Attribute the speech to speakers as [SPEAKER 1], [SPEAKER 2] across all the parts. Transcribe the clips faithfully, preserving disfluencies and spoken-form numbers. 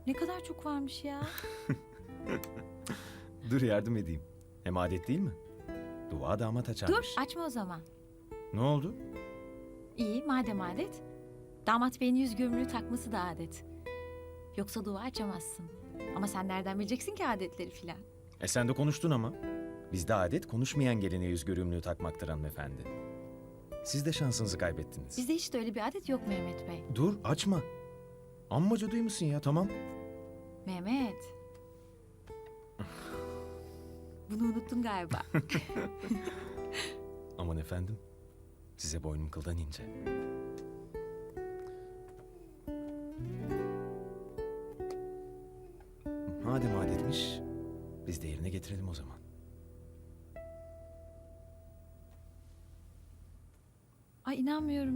[SPEAKER 1] Ne kadar çok varmış ya.
[SPEAKER 2] Dur yardım edeyim. Hem adet değil mi? Dua damat açarmış.
[SPEAKER 1] Dur açma o zaman.
[SPEAKER 2] Ne oldu?
[SPEAKER 1] İyi madem adet. Damat beyin yüz gömülüğü takması da adet. Yoksa dua açamazsın. Ama sen nereden bileceksin ki adetleri filan?
[SPEAKER 2] E sen de konuştun ama. Bizde adet konuşmayan geline yüz görümlüğü takmaktır hanımefendi. Siz de şansınızı kaybettiniz.
[SPEAKER 1] Bizde hiç de öyle bir adet yok Mehmet Bey.
[SPEAKER 2] Dur açma. Amma cadıymışsın ya, tamam.
[SPEAKER 1] Mehmet. Bunu unuttun galiba.
[SPEAKER 2] Aman efendim. Size boynum kıldan ince. Madem adetmiş, biz de yerine getirelim o zaman.
[SPEAKER 1] Ay inanmıyorum.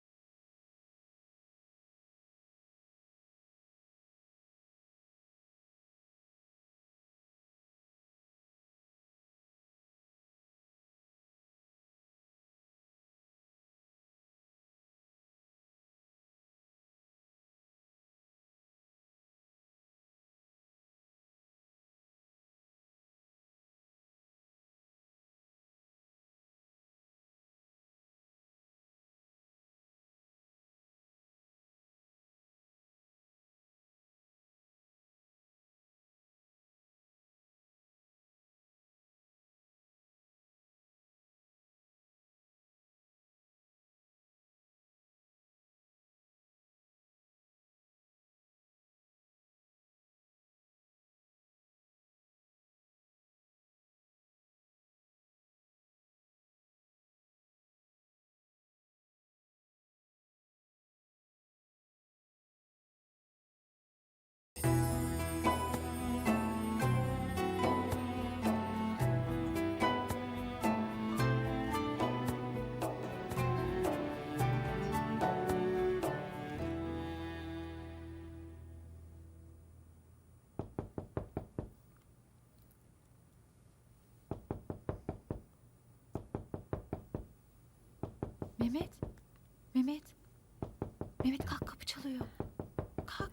[SPEAKER 1] Mehmet. Mehmet. Mehmet kalk, kapı çalıyor. Kalk.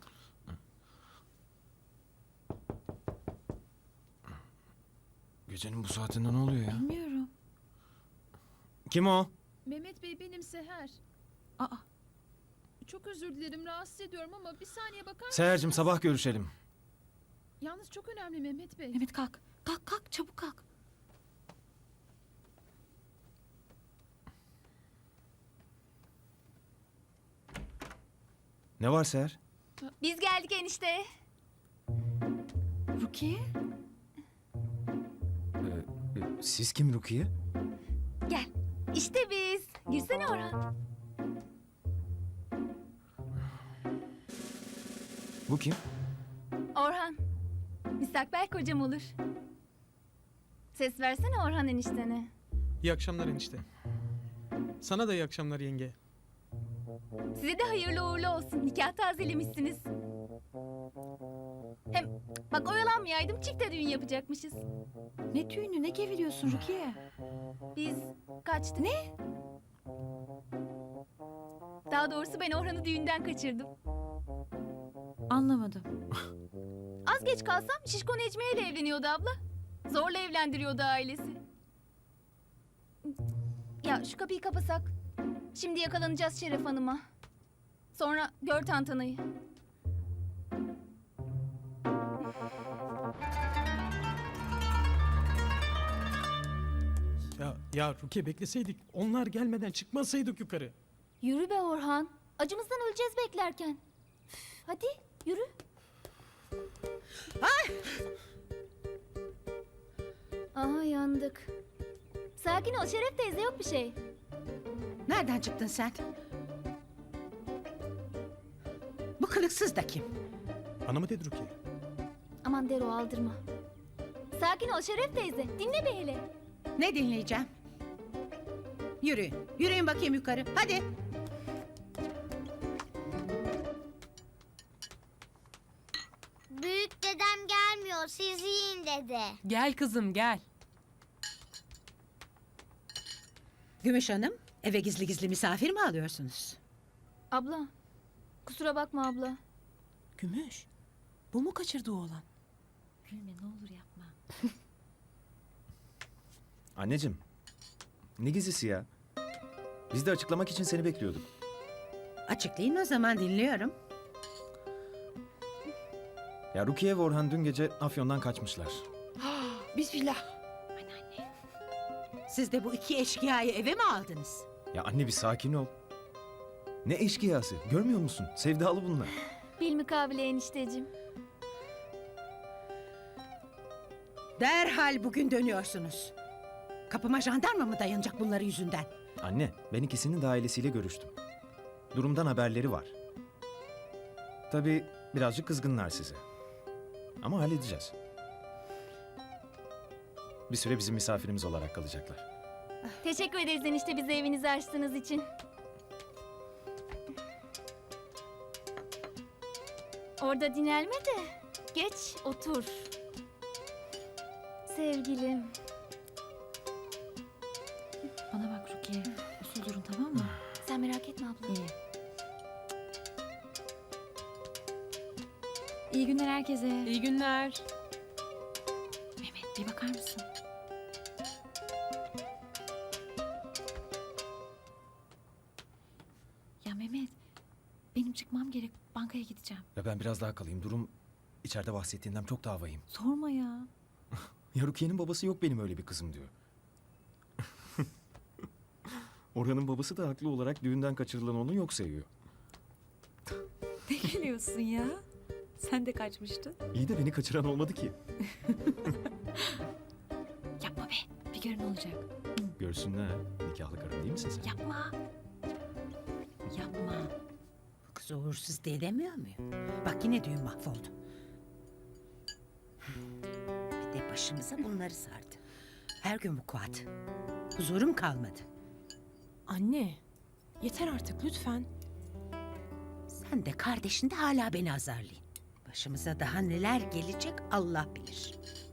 [SPEAKER 2] Gecenin bu saatinde ne oluyor ya?
[SPEAKER 1] Bilmiyorum.
[SPEAKER 2] Kim o?
[SPEAKER 3] Mehmet Bey benim Seher.
[SPEAKER 1] Aa,
[SPEAKER 3] Çok özür dilerim rahatsız ediyorum ama bir saniye bakar mısınız?
[SPEAKER 2] Seher'cim sabah görüşelim.
[SPEAKER 3] Yalnız çok önemli Mehmet Bey.
[SPEAKER 1] Mehmet kalk. Kalk kalk çabuk kalk.
[SPEAKER 2] Ne var Seher?
[SPEAKER 4] Biz geldik enişte.
[SPEAKER 1] Rukiye.
[SPEAKER 2] Ee, e, siz kim Rukiye?
[SPEAKER 4] Gel. İşte biz. Girsene Orhan.
[SPEAKER 2] Bu kim?
[SPEAKER 4] Orhan. Müstakbel kocam olur. Ses versene Orhan eniştene.
[SPEAKER 5] İyi akşamlar enişte. Sana da iyi akşamlar yenge.
[SPEAKER 4] Size de hayırlı uğurlu olsun. Nikah tazelemişsiniz. Hem bak oyalanmayaydım çifte düğün yapacakmışız.
[SPEAKER 1] Ne düğünü ne geviriyorsun Rukiye?
[SPEAKER 4] Biz kaçtık. Ne? Daha doğrusu ben Orhan'ı düğünden kaçırdım.
[SPEAKER 1] Anlamadım.
[SPEAKER 4] Az geç kalsam Şişko Necmiye ile evleniyordu abla. Zorla evlendiriyordu ailesi. Ya şu kapıyı kapasak. Şimdi yakalanacağız Şeref Hanım'a. Sonra gör tantanayı.
[SPEAKER 5] Ya ya Rukiye bekleseydik. Onlar gelmeden çıkmasaydık yukarı.
[SPEAKER 4] Yürü be Orhan. Acımızdan öleceğiz beklerken. Üf, hadi yürü. Ay! Aha yandık. Sakin ol Şeref teyze yok bir şey.
[SPEAKER 6] Nereden çıktın sen? Bu kılıksız da kim?
[SPEAKER 5] Bana mı dedi Rukiye?
[SPEAKER 4] Aman Dero aldırma. Sakin ol Şeref teyze. Dinle be hele.
[SPEAKER 6] Ne dinleyeceğim? Yürüyün. Yürüyün bakayım yukarı. Hadi.
[SPEAKER 7] Büyük dedem gelmiyor, siz yiyin dedi.
[SPEAKER 8] Gel kızım gel.
[SPEAKER 6] Gümüş Hanım, eve gizli gizli misafir mi alıyorsunuz?
[SPEAKER 4] Abla. Kusura bakma abla.
[SPEAKER 6] Gümüş, Bu mu kaçırdığı oğlan?
[SPEAKER 1] Gülme ne olur yapma.
[SPEAKER 2] Anneciğim, ne gizlisi ya? Biz de açıklamak için seni bekliyorduk.
[SPEAKER 6] Açıklayın o zaman, dinliyorum.
[SPEAKER 2] Ya Rukiye ve Orhan dün gece Afyon'dan kaçmışlar.
[SPEAKER 6] Bismillah.
[SPEAKER 1] Anneanne.
[SPEAKER 6] Siz de bu iki eşkıyayı eve mi aldınız?
[SPEAKER 2] Ya anne bir sakin ol. Ne eşkıyası, görmüyor musun? Sevdalı bunlar.
[SPEAKER 4] Bilmukabele enişteciğim.
[SPEAKER 6] Derhal bugün dönüyorsunuz. Kapıma jandarma mı dayanacak bunları yüzünden?
[SPEAKER 2] Anne, ben ikisinin de ailesiyle görüştüm. Durumdan haberleri var. Tabii birazcık kızgınlar size. Ama halledeceğiz. Bir süre bizim misafirimiz olarak kalacaklar.
[SPEAKER 4] Teşekkür ederiz enişte bize evinizi açtığınız için. Orada dinlenme de geç otur. Sevgilim.
[SPEAKER 1] Bana bak Rukiye. Usul durun tamam mı?
[SPEAKER 4] Sen merak etme abla.
[SPEAKER 1] İyi. İyi günler herkese.
[SPEAKER 3] İyi günler.
[SPEAKER 1] Mehmet bir bakar mısın? Ya Mehmet, benim çıkmam gerek. Bankaya gideceğim.
[SPEAKER 2] Ya ben biraz daha kalayım. Durum içeride bahsettiğinden çok daha vahim.
[SPEAKER 1] Sorma ya.
[SPEAKER 2] Ya Rukiye'nin babası yok benim öyle bir kızım diyor. Orhan'ın babası da haklı olarak düğünden kaçırılan onu yok sayıyor.
[SPEAKER 1] Ne gülüyorsun ya? Sen de kaçmıştın.
[SPEAKER 2] İyi de beni kaçıran olmadı ki.
[SPEAKER 1] Yapma be. Bir görün olacak.
[SPEAKER 2] Görsünler. Nikahlı karım değil misin sen?
[SPEAKER 1] Yapma. Yapma.
[SPEAKER 6] Bu kız uğursuz diye demiyor muyum? Bak yine düğün mahvoldu. Bir de başımıza bunları sardı. Her gün vukuat. Huzurum kalmadı.
[SPEAKER 3] Anne, yeter artık lütfen.
[SPEAKER 6] Sen de kardeşin de hala beni azarlayın. Başımıza daha neler gelecek Allah bilir.